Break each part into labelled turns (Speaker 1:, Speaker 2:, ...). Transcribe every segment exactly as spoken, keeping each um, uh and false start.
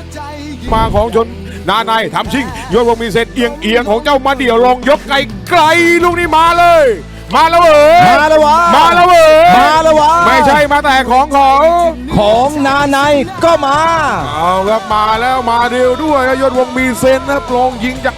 Speaker 1: มาของชนนาในทำชิงโยนวงมีเซนเอียงเอียงของเจ้ามาเดี่ยวลงยกไกลไกลลูกนี้มาเลย มาแล้วเอ๋ย
Speaker 2: มาแล้ววะ
Speaker 1: มาแล้วเอ๋ย
Speaker 2: มาแล้ววะ
Speaker 1: ไม่ใช่มาแต่ของของ
Speaker 2: ของนาในก็มา
Speaker 1: เอาครับมาแล้วมาเดียวด้วยโยนวงมีเซนนะลงยิงจาก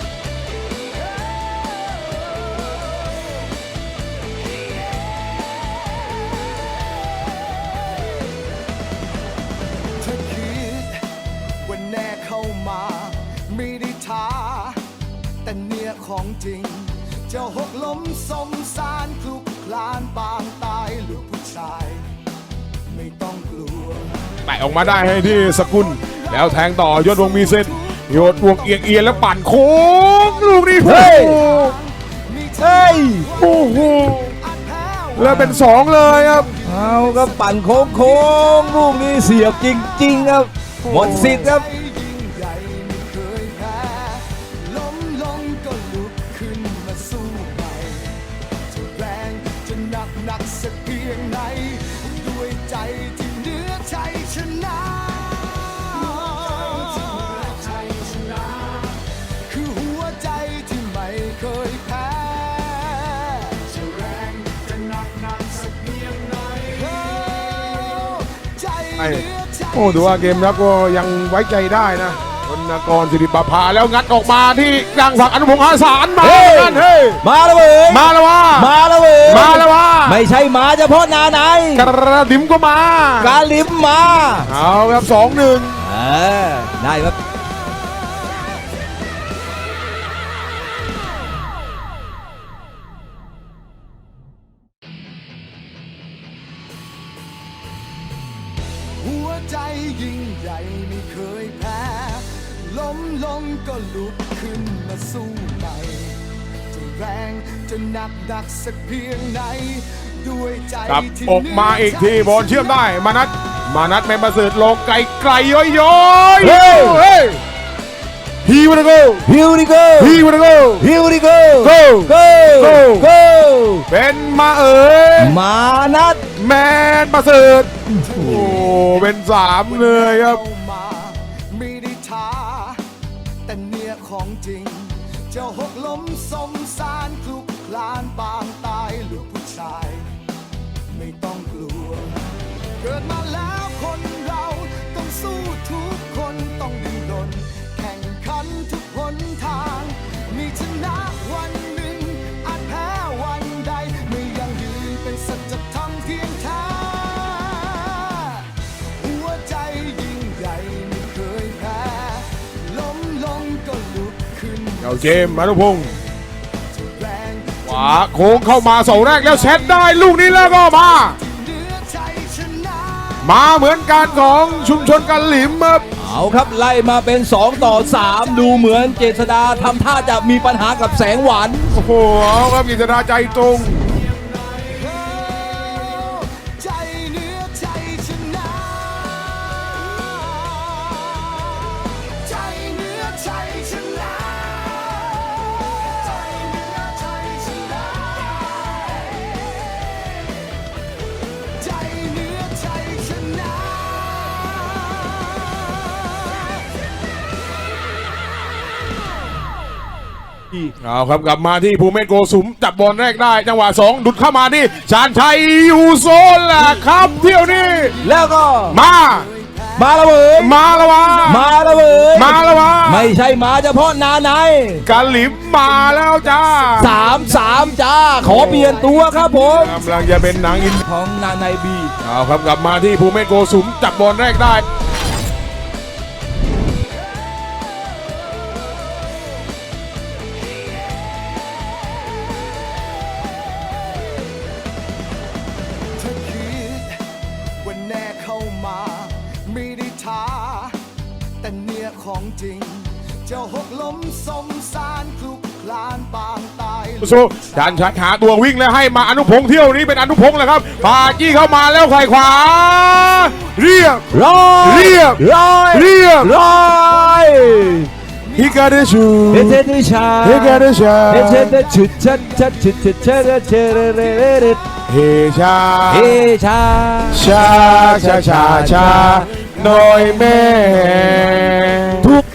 Speaker 3: แน่เข้ามาไม่ได้ท้าแต่เนี่ยของจริงเจ้าหกล้มสมสารคลุกคลานปางตายลูกผู้ชายไม่ต้องกลัว
Speaker 1: แตะออกมาได้ให้ที่สกุลแล้วแทงต่อยอดวงมีเส้นโยดวงเอียงเอียงแล้วปั่นโค้งลูกนี้เฮ้ยเฮ้ยโอ้โหแล้วเป็นสองเลยครับ
Speaker 2: เอาครับปั่นโค้งโค้งลูกนี้เสียบจริงๆครับหมดสิทธิ์ครับ
Speaker 1: โอ้ดูว่าเกมรับก็ยังไว้ใจได้นะธนกรสิริประภาแล้วงัดออกมาที่กลางฝั่งอนุพงษ์อาสารมากันเฮ้ย
Speaker 2: มาแล้วเว้ย
Speaker 1: มาแล้ววะ
Speaker 2: มาแล้วเว้ย
Speaker 1: มาแล้ววะ
Speaker 2: ไม่ใช่มาเฉพาะนาใน
Speaker 1: กระดิ่มก็มาก
Speaker 2: ระดิ่มมา
Speaker 1: เอาครับสองหนึ่ง
Speaker 2: เออได้ครับ
Speaker 3: หัวใจยิ่งใหญ่ไม่เคยแพ้ล้มลงก็ลุกขึ้นมาสู้ใหม่จะแรงจะหนักหนักสักเพียงไหนด้วยใจที่
Speaker 1: ออกมาอีกทีบอลเชื่อมได้มานัดมานัดแมนประเสริฐลงไกลไกลย้อยย้อยเฮ้ยเฮ้ยฮีวันโก
Speaker 2: ฮิวดิโก
Speaker 1: ฮีวันโก
Speaker 2: ฮิวดิโก
Speaker 1: โก
Speaker 2: โกโก
Speaker 1: เป็นมาเอ๋ย
Speaker 2: มานัด
Speaker 1: แมนประเสริฐโอ้เป็นสามเลยครับ
Speaker 3: ไม่ได้ท้าแต่เนี่ยของจริงเจ้าหกล้มสมสารคลุกคลานปางตายลูกผู้ชายไม่ต้องกลัวเกิดมาแล้วคนเราต้องสู้ทุกคนต้องดิ้นรนแข่งขันทุกหนทางมีชนะวันหนึ่งอาจแพ้วันใดไม่ยังยืนเป็นสัจธรรมเพียงแท้หัวใจยิ่งใหญ่ไม่เคยแพ้ล้มลงก็ลุกขึ้น
Speaker 1: เอาเกมอนุพงษ์ขวาโค้งเข้ามาเสาแรกแล้วเซตได้ลูกนี้แล้วก็มามาเหมือนกันของชุมชนกันหลิมครับ
Speaker 2: เอาครับไล่มาเป็นสองต่อสามดูเหมือนเจษดาทำท่าจะมีปัญหากับแสงหวาน
Speaker 1: โอ้โหครับเจษดาใจตรงเอาครับกลับมาที่ภูเมศโกสุมจับบอลแรกได้จังหวะสองดุดเข้ามาที่ชาญชัยยูโซนแหละครับเที่ยวนี้
Speaker 2: แล้วก็
Speaker 1: มา
Speaker 2: มาแล้วเว้ย
Speaker 1: มาแล้ววะ
Speaker 2: มาแล้วเว้ย
Speaker 1: มาแล้ววะ
Speaker 2: ไม่ใช่มาเฉพาะนาใน
Speaker 1: กาลิมมาแล้วจ้า
Speaker 2: สามสามจ้าขอเปลี่ยนตัวครับผม
Speaker 1: กำลังจะเป็นหนังอิน
Speaker 2: ของนาในบี
Speaker 1: เอาครับกลับมาที่ภูเมศโกสุมจับบอลแรกได้
Speaker 3: แน่เข้ามาไม่ได้ท้าแต่เนี่ยของจริงเจ้าหกล้มสมสารคลุกคลานปางตาย
Speaker 1: สู้ชาญชัยหาตัววิ่งแล้วให้มาอนุพงษ์เที่ยวนี้เป็นอนุพงษ์แหละครับพาจี้เข้ามาแล้วไขว่ขวาเรียบ
Speaker 2: ร้อย
Speaker 1: เรียบ
Speaker 2: ร้อย
Speaker 1: เรียบ
Speaker 2: ร้อย
Speaker 1: ฮิกาเดชู
Speaker 2: เฮเทเดชา
Speaker 1: ฮิกาเดชา
Speaker 2: เฮเทเดชุดชัดชัดชุดชัดชัดเชเรเรเร
Speaker 1: เฮชา
Speaker 2: เฮชา
Speaker 1: ชาชาชาชาหน่อยแม่
Speaker 2: ถูก